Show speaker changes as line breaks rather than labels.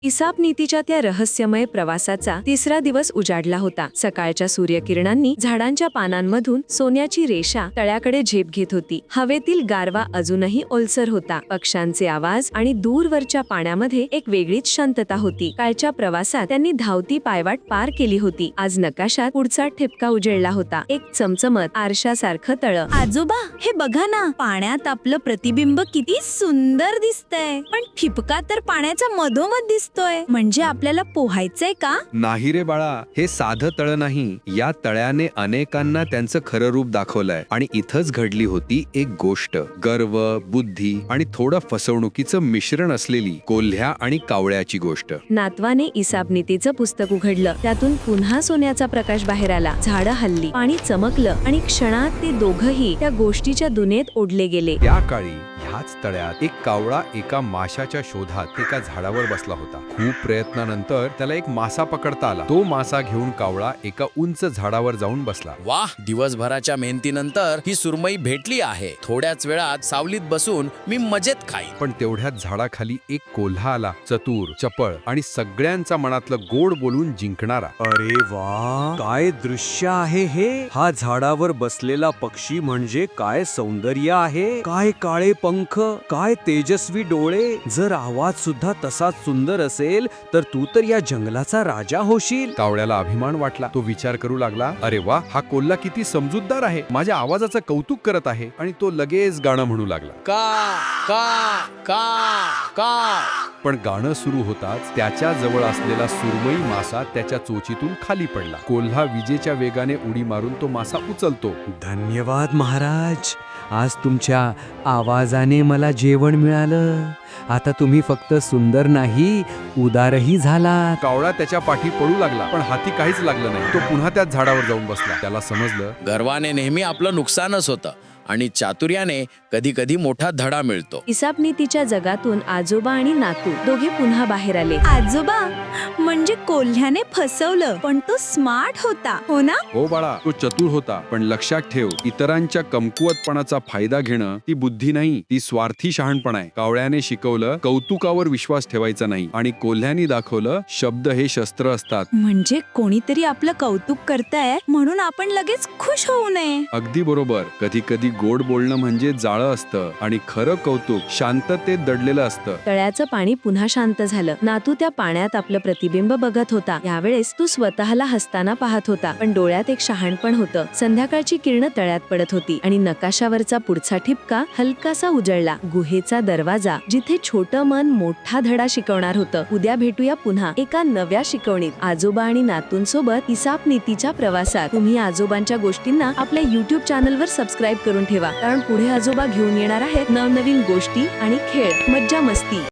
इसाप नीतीच्या त्या रहस्यमय प्रवासाचा तिसरा दिवस उजाडला होता। सकाळच्या सूर्यकिरणांनी झाडांच्या पानांमधून सोन्याची रेषा तळ्याकडे झेप घेत होती। हवेतील गारवा अजूनही ओलसर होता। पक्ष्यांचे आवाज आणि दूरवरच्या पाण्यामध्ये एक वेगळीच शांतता होती। कालच्या प्रवासात त्यांनी धावती पायवाट पार केली होती। आज नकाशात पुढचा ठिपका उजळला होता, एक चमचमत आरशासारखं तळं।
आजोबा, हे बघा ना, पाण्यात आपलं प्रतिबिंब किती सुंदर दिसतंय, पण ठिपका तर पाण्याच्या मधोमध दिसतोय। म्हणजे आपल्याला पोहायचंय का?
नाही रे बाळा, हे साधं तळ नाही। या तळ्याने अनेकांना त्यांचं खरं रूप दाखवलंय आणि इथंच घडली होती एक गोष्ट। गर्व, बुद्धी आणि थोडं फसवणुकीचं मिश्रण असलेली कोल्ह्या आणि कावळ्याची गोष्ट।
नातवाने इसाप नीतीचं पुस्तक उघडलं। त्यातून पुन्हा सोन्याचा प्रकाश बाहेर आला। झाडं हलली, पाणी चमकलं आणि क्षणात ते दोघंही त्या गोष्टीच्या दुनियेत ओढले गेले।
त्या काळी ह्याच तळ्यात एक कावळा एका माशाच्या शोधात एका झाडावर बसला होता। खूप प्रयत्नानंतर त्याला एक मासा पकडता आला। तो मासा घेऊन कावळा एका उंच झाडावर जाऊन बसला।
वाह, दिवसभराच्या मेहनतीनंतर ही सुरमई भेटली आहे। थोड्याच वेळात सावलीत बसून मी मजेत खाईन।
पण तेवढ्यात झाडाखाली एक कोल्हा आला, चतुर, चपळ आणि सगळ्यांचा मनातलं गोड बोलून जिंकणारा।
अरे वा, काय दृश्य आहे हे! हा झाडावर बसलेला पक्षी म्हणजे काय सौंदर्य आहे! काय काळे पंख, काय तेजस्वी डोळे! जर आवाज सुद्धा तसाच सुंदर असेल तर तू तर या जंगलाचा राजा होशील।
कावळ्याला अभिमान वाटला। तो विचार करू लागला, अरे वा, हा कोल्हा किती समजूतदार आहे, माझ्या आवाजाचं कौतुक करत आहे। आणि तो लगेच गाणं म्हणू लागला,
का का का का।
पण गाणं सुरू होताच त्याच्या जवळ असलेला सुरमई मासा त्याच्या चोचीतून खाली पडला। कोल्हा विजेच्या वेगाने उडी मारून तो मासा उचलतो।
धन्यवाद महाराज, आज तुमच्या आवाजाने मला जेवण मिळालं। आता तुम्ही फक्त सुंदर नाही, उदारही झालात।
कावळा त्याच्या पाठी पडू लागला, पण हाती काहीच लागलं नाही। तो पुन्हा त्याच झाडावर जाऊन बसला। त्याला समजलं,
गर्वाने नेहमी आपलं नुकसानच होतं आणि चातुर्याने कधी कधी मोठा धडा मिळतो।
इसाप नीतीच्या जगातून आजोबा आणि नातू दोघे पुन्हा बाहेर आले।
आजोबा, म्हणजे कोल्ह्याने फसवलं, पण तो स्मार्ट होता, हो ना?
हो बाळा, तो चतुर होता। पण लक्षात ठेव, इतरांच्या कमकुवतपणाचा फायदा घेणं ती बुद्धी नाही, ती स्वार्थी शहाणपण आहे। कावळ्याने शिकवलं कौतुकावर विश्वास ठेवायचा नाही, आणि कोल्ह्याने दाखवलं शब्द हे शस्त्र असतात।
म्हणजे कोणीतरी आपलं कौतुक करताय म्हणून आपण लगेच खुश होऊ नये।
अगदी बरोबर। कधी कधी गोड बोलणं म्हणजे जाळं असतं आणि खरं कौतुक शांततेत दडलेलं असतं।
तळ्याचं पाणी पुन्हा शांत झालं। नातू त्या पाण्यात आपलं प्रतिबिंब बघत होता। यावेळेस तू स्वतःला हसताना पाहत होता, पण डोळ्यात एक शहाणपण होतं। संध्याकाळची किरण तळ्यात पडत होती आणि नकाशावरचा पुढचा ठिपका हलकासा उजळला। गुहेचा दरवाजा, जिथे छोटं मन मोठा धडा शिकवणार होतं। उद्या भेटूया पुन्हा एका नव्या शिकवणीत, आजोबा आणि नातूंसोबत इसाप नीतीच्या प्रवासात। तुम्ही आजोबांच्या गोष्टींना आपल्या YouTube चॅनलवर सबस्क्राईब करून ठेवा, कारण पुढे आजोबा घेऊन येणार आहेत नवनवीन गोष्टी आणि खेळ, मज्जा मस्ती।